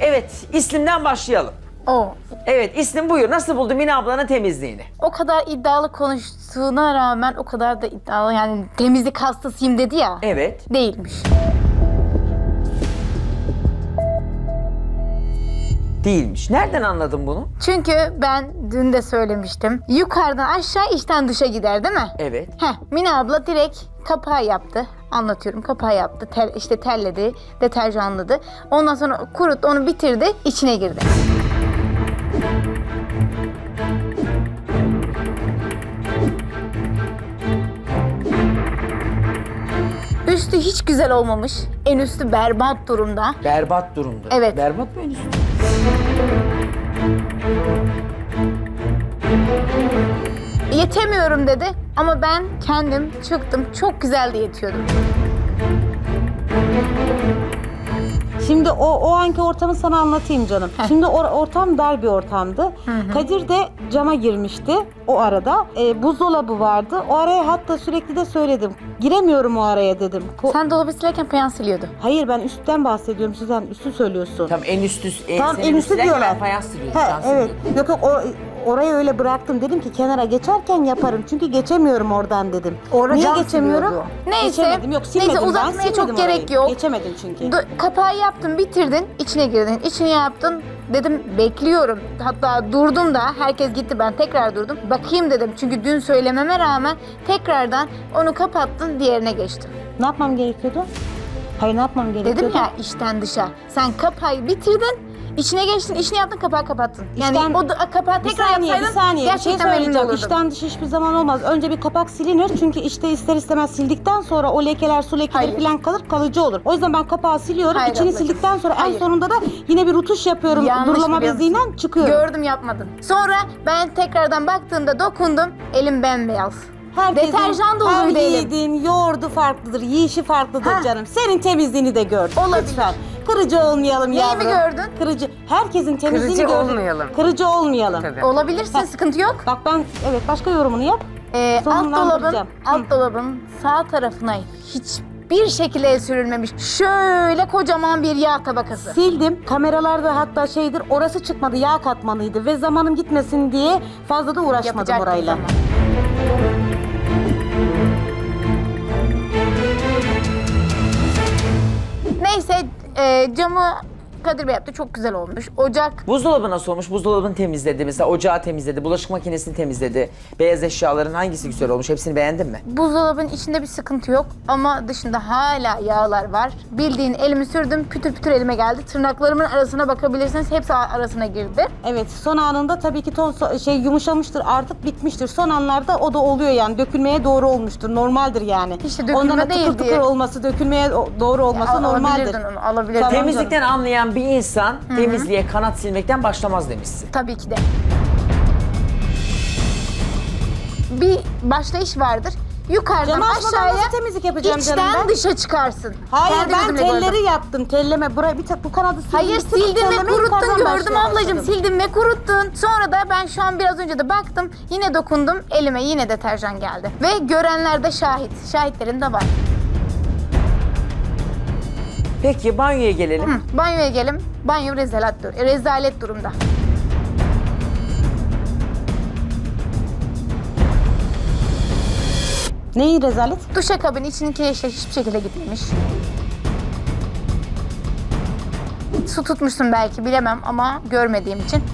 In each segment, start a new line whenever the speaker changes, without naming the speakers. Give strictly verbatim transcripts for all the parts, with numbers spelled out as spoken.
Evet, İslim'den başlayalım.
O.
Evet, İslim buyur. Nasıl buldu Mine ablanın temizliğini?
O kadar iddialı konuştuğuna rağmen o kadar da iddialı, yani temizlik hastasıyım dedi ya.
Evet.
Değilmiş.
Değilmiş. Nereden anladın bunu?
Çünkü ben dün de söylemiştim. Yukarıdan aşağı, içten dışa gider değil mi?
Evet.
Heh, Mine abla direkt kapağı yaptı. Anlatıyorum, kapağı yaptı. Tel, işte telledi, deterjanladı. Ondan sonra kuruttu, onu bitirdi, içine girdi. Üstü hiç güzel olmamış. En üstü berbat durumda.
Berbat durumda.
Evet.
Berbat mı en üstü?
Yetemiyorum dedi ama ben kendim çıktım, çok güzel de yetiyordum.
Şimdi o o anki ortamı sana anlatayım canım. Şimdi or- ortam dar bir ortamdı. Kadir de cama girmişti o arada. E, buzdolabı vardı. O araya hatta sürekli de söyledim. Giremiyorum o araya dedim. Ko-
Sen dolabı silerken peyan siliyordu.
Hayır, ben üstten bahsediyorum. Sen üstü söylüyorsun.
Tam en üstü. En,
Tam
senin
en üstü
üstünden
diyorlar.
gelen fayans siliyorsun.
He,
sen
evet.
siliyorsun.
Yok yok, o, orayı öyle bıraktım. Dedim ki kenara geçerken yaparım. Çünkü geçemiyorum oradan dedim.
Orada
Niye
cam
geçemiyorum?
siliyordu. Neyse,
Geçemedim. Yok, silmedim.
neyse,
Ben
uzatmaya çok
silmedim
gerek
orayı.
yok.
Geçemedim çünkü.
Do- kapağı yaptın, bitirdin, içine girdin, içine yaptın. Dedim bekliyorum. Hatta durdum da, herkes gitti, ben tekrar durdum. Bakayım dedim, çünkü dün söylememe rağmen tekrardan onu kapattın, diğerine geçtim.
Ne yapmam gerekiyordu? Hayır, ne yapmam gerekiyordu?
Dedim ya, içten dışa. Sen kapağı bitirdin, içine geçtin, işini yaptın, kapağı kapattın. Yani
İçten-
o da, kapağı
Bir
tekrar
saniye, bir
yapsaydın
saniye. Bir şey
gerçekten memnun
söyleyeceğim.
olurdum.
İçten dış hiçbir zaman olmaz. Önce bir kapak silinir. Çünkü işte ister istemez sildikten sonra o lekeler, su lekeleri
Hayır.
falan kalır, kalıcı olur. O yüzden ben kapağı siliyorum.
Hayır
İçini
ablacığım.
sildikten sonra en
Hayır.
sonunda da yine bir rutuş yapıyorum.
Yanlış
Durulama
biliyor musun?
beziyle çıkıyorum.
Gördüm, yapmadın. Sonra ben tekrardan baktığımda dokundum, elim bembeyaz.
Herkesin
Deterjan doluydu
hem
elim.
yiğidin yoğurdu farklıdır, yiyişi farklıdır
Hah.
canım. Senin temizliğini de gördüm.
Olabilir.
Lütfen. Kırıcı olmayalım
Neyi
yavrum.
mi gördün?
Kırıcı. Herkesin temizliğini
Kırıcı
gördüm.
olmayalım.
Kırıcı olmayalım.
Tabii.
Olabilirsin, sıkıntı yok.
Bak ben, evet, başka yorumunu yap.
Ee, alt dolabın,
Sonlandıracağım.
alt dolabın sağ tarafına hiçbir şekilde el sürülmemiş. Şöyle kocaman bir yağ tabakası.
Sildim. Kameralarda hatta şeydir, orası çıkmadı, yağ katmanıydı ve zamanım gitmesin diye fazla da uğraşmadım
Yapacaktım
orayla.
zaman. Neyse, e, camı Kadir Bey yaptı, çok güzel olmuş. Ocak
Buzdolabı nasıl olmuş? Buzdolabını temizledi. Mesela ocağı temizledi. Bulaşık makinesini temizledi. Beyaz eşyaların hangisi güzel olmuş? Hepsini beğendin mi?
buzdolabının içinde bir sıkıntı yok ama dışında hala yağlar var. Bildiğin elimi sürdüm, pütür pütür elime geldi. Tırnaklarımın arasına bakabilirsiniz, hepsi arasına girdi.
Evet, son anında tabii ki ton so- şey yumuşamıştır, artık bitmiştir. Son anlarda o da oluyor yani, dökülmeye doğru olmuştur, normaldir yani.
İşte dökülme
Ondan da
değil
tıkır tıkır
diye.
olması, dökülmeye o- doğru olması
Al-
normaldir.
alabilirdin onu, alabilirdin.
Tamam.
Temizlikten anlayan bir insan temizliğe kanat silmekten başlamaz demişsin.
Tabii ki de. Bir başlayış vardır. Yukarıdan
Camı açmadan
aşağıya
nasıl temizlik yapacağım
içten
canım ben?
dışa çıkarsın.
Hayır,
Kendi
ben
gözümle gördüm.
telleri yaptım, telleme. Buraya bir tek bu kanadı sildim.
Hayır,
bir tek
sildin ve
telleme,
kuruttun,
yukarıdan
gördüm
başlamaya
ablacığım.
başladım.
Sildin ve kuruttun. Sonra da ben şu an biraz önce de baktım. Yine dokundum. Elime yine deterjan geldi. Ve görenler de şahit. Şahitlerim de var.
Peki banyoya gelelim.
Hı, banyoya gelin. Banyo rezalet, dur- rezalet durumda.
Neyi rezalet?
Duşakabin içindeki eşya hiçbir şekilde gitmemiş. Su tutmuşsun belki, bilemem ama görmediğim için.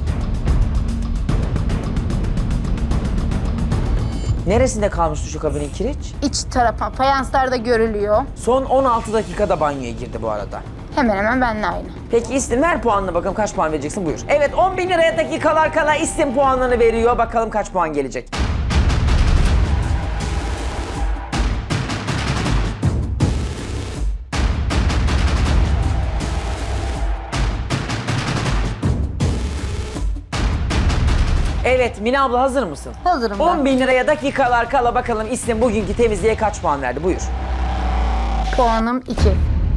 Neresinde kalmış duşakabinin kireç?
İç tarafa, fayanslarda görülüyor.
Son on altı dakikada banyoya girdi bu arada.
Hemen hemen benimle aynı.
Peki İslim ver puanını bakalım kaç puan vereceksin buyur. Evet on bin liraya dakikalar kala İslim puanlarını veriyor. Bakalım kaç puan gelecek. Evet Mine abla hazır mısın?
Hazırım ben.
on bin liraya dakikalar kala bakalım İslim bugünkü temizliğe kaç puan verdi buyur.
Puanım iki.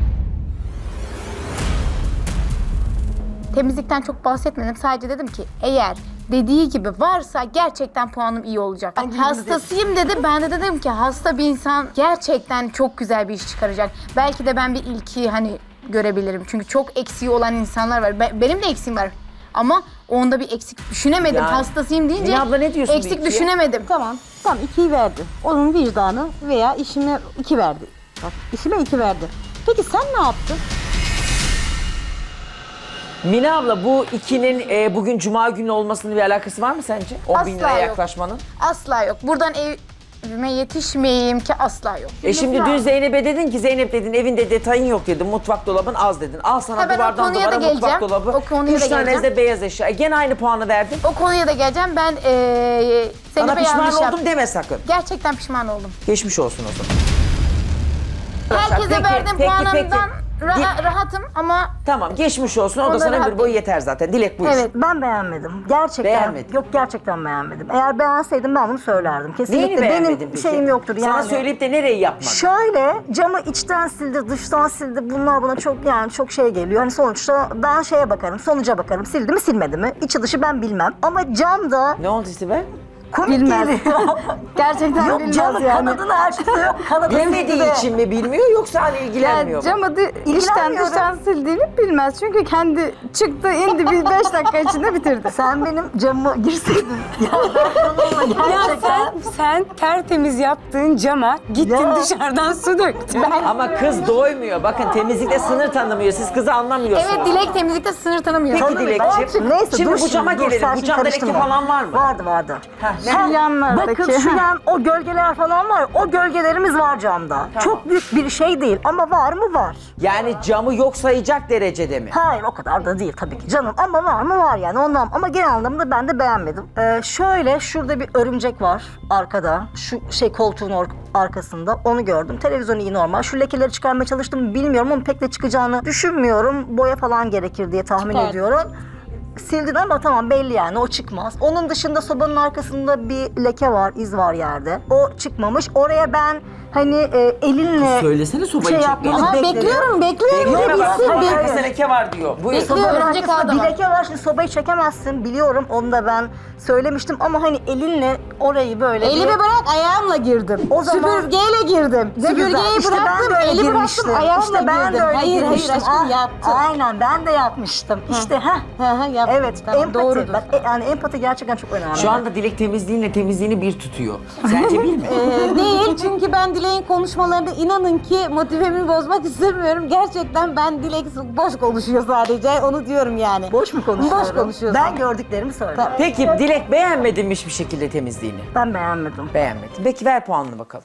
Temizlikten çok bahsetmedim. Sadece dedim ki eğer dediği gibi varsa gerçekten puanım iyi olacak. Hastasıyım dedi. Ben de dedim ki hasta bir insan gerçekten çok güzel bir iş çıkaracak. Belki de ben bir ilki hani görebilirim. Çünkü çok eksiği olan insanlar var. Be- benim de eksiğim var. Ama onda bir eksik düşünemedim.
Yani,
Hastasıyım deyince
Mine abla ne diyorsun bu
eksik
ikiye?
düşünemedim.
Tamam. Tamam ikiyi verdi. Onun vicdanı veya işime iki verdi. Bak işime iki verdi. Peki sen ne yaptın?
Mine abla bu ikinin e, bugün cuma günü olmasının bir alakası var mı sence? on bin
Asla
liraya
yok.
yaklaşmanın.
Asla yok. Buradan evime yetişmeyeyim ki asla yok.
E şimdi dün Zeynep'e dedin ki Zeynep dedin evinde detayın yok dedin. Mutfak dolabın az dedin. Al sana
Ha, ben o
duvardan
konuya
duvara
da
mutfak
geleceğim.
dolabı.
O konuya
Üç
da
tane
geleceğim.
de beyaz eşya. E, gene aynı puanı verdin.
O konuya da geleceğim. Ben eee
Sana
Zeynep'e
pişman
yanlış
oldum
yaptım.
deme sakın.
Gerçekten pişman oldum.
Geçmiş olsun o zaman.
Herkese
Peki,
verdiğim
peki,
puanımdan
peki.
ra-
Di-
rahatım ama
Tamam geçmiş olsun. O da
Ondan
sana ömür
rahat
boyu
değil.
yeter zaten. Dilek buyur.
evet.
Ben beğenmedim. Gerçekten.
Beğenmedin.
Yok gerçekten beğenmedim. Eğer beğenseydim ben bunu söylerdim. Kesinlikle
Neyini beğenmedin
benim
peki?
şeyim yoktur yani.
Sana söyleyip de nereyi yapmadın?
Şöyle camı içten sildi, dıştan sildi. Bunlar bana çok yani çok şey geliyor. Hani sonuçta ben şeye bakarım, sonuca bakarım. Sildi mi silmedi mi? İçi dışı ben bilmem. Ama camda
Ne oldu Sibel?
komik
Bilmez.
geliyor.
Gerçekten
Yok
bilmez
camı
yani.
kanadını açtı yok. Kanadı
Bilmediği
sildi de.
için mi bilmiyor yoksa hani ilgilenmiyor mu?
Camı di- içten
İlgilenmiyorum.
dıştan sildiğini bilmez. Çünkü kendi çıktı indi bir beş dakika içinde bitirdi.
Sen benim camıma girseydin. Ya ben bununla
Ya
gerçekten...
sen, sen tertemiz yaptığın cama gittin
Ya.
dışarıdan su döktün.
Ama kız doymuyor. Bakın temizlikte sınır tanımıyor. Siz kızı anlamıyorsunuz.
Evet, Dilek temizlikte sınır tanımıyor.
Peki Dilekçim.
Neyse
Şimdi
dur
bu cama
dur,
gelelim.
sen
Bu
şimdi
camda leke
karıştırma.
falan var mı?
Vardı vardı.
Heh, ne?
Ha,
yanlardaki.
Bakın şu yan o gölgeler falan var. O gölgelerimiz var camda. Çok büyük bir şey değil ama var mı var.
Yani camı yok sayacak derecede mi?
Hayır o kadar da değil tabii ki canım ama var mı var yani ondan ama genel anlamda ben de beğenmedim. Ee, şöyle şurada bir örümcek var arkada şu şey koltuğun or- arkasında onu gördüm. Televizyon iyi normal. Şu lekeleri çıkarmaya çalıştım bilmiyorum ama pek de çıkacağını düşünmüyorum. Boya falan gerekir diye tahmin
Çıkar.
ediyorum. Sildin ama tamam belli yani o çıkmaz. Onun dışında sobanın arkasında bir leke var, iz var yerde. O çıkmamış. Oraya ben hani e, elinle
Söylesene sobayı
şey
çekmeyi.
yapmanı
Aha,
bekledim.
bekliyorum, bekliyorum.
Bekleme bak.
bilsin,
Sobanın
bir-
arkasında leke var diyor. Buyur.
Bekliyorum.
Sobanın
Örümcek
arkasında
ağda
bir
var.
leke var. Şimdi sobayı çekemezsin. Biliyorum. Onu da ben söylemiştim. Ama hani elinle orayı böyle...
Elimi
bir-
bırak ayağımla girdim.
O zaman-
Süpürgeyle girdim.
Ne güzel.
Süpürgeyi
İşte ben
bıraktım,
de öyle
eli
girmiştim.
bıraktım, ayağımla
İşte ben
girdim.
de öyle
hayır
girmiştim.
hayır aşkım
Ah,
yaptım.
Aynen ben de yapmıştım. İşte ha.
Hı hı, yaptım.
Evet,
Tamam,
empati.
doğrudur.
Bak, e, yani empati gerçekten çok önemli.
Şu anda Dilek temizliğinle temizliğini bir tutuyor. Sence bir mi?
Ee, değil çünkü ben Dilek'in konuşmalarında inanın ki motivemi bozmak istemiyorum. Gerçekten ben Dilek boş konuşuyor sadece onu diyorum yani.
boş mu konuşuyorum?
Boş konuşuyorsun.
Ben gördüklerimi söylüyorum.
Peki Dilek beğenmedin mi hiçbir şekilde temizliğini?
Ben beğenmedim.
Beğenmedim. Peki ver puanını bakalım.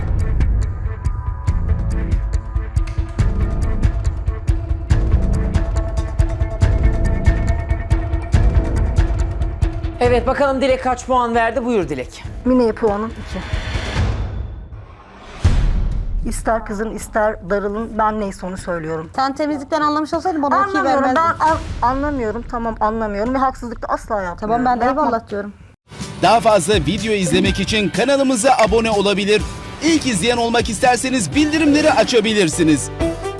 Evet bakalım Dilek kaç puan verdi? Buyur Dilek.
Mine'ye puanım iki. İster kızın ister darılın ben neyse onu söylüyorum.
Sen temizlikten anlamış olsaydın bana iki
Anlamıyorum
vermezdin.
ben an- anlamıyorum tamam anlamıyorum ve haksızlık da asla yapmıyorum.
Tamam ben de
Yapmam.
eyvallah diyorum.
Daha fazla video izlemek için kanalımıza abone olabilir. İlk izleyen olmak isterseniz bildirimleri açabilirsiniz.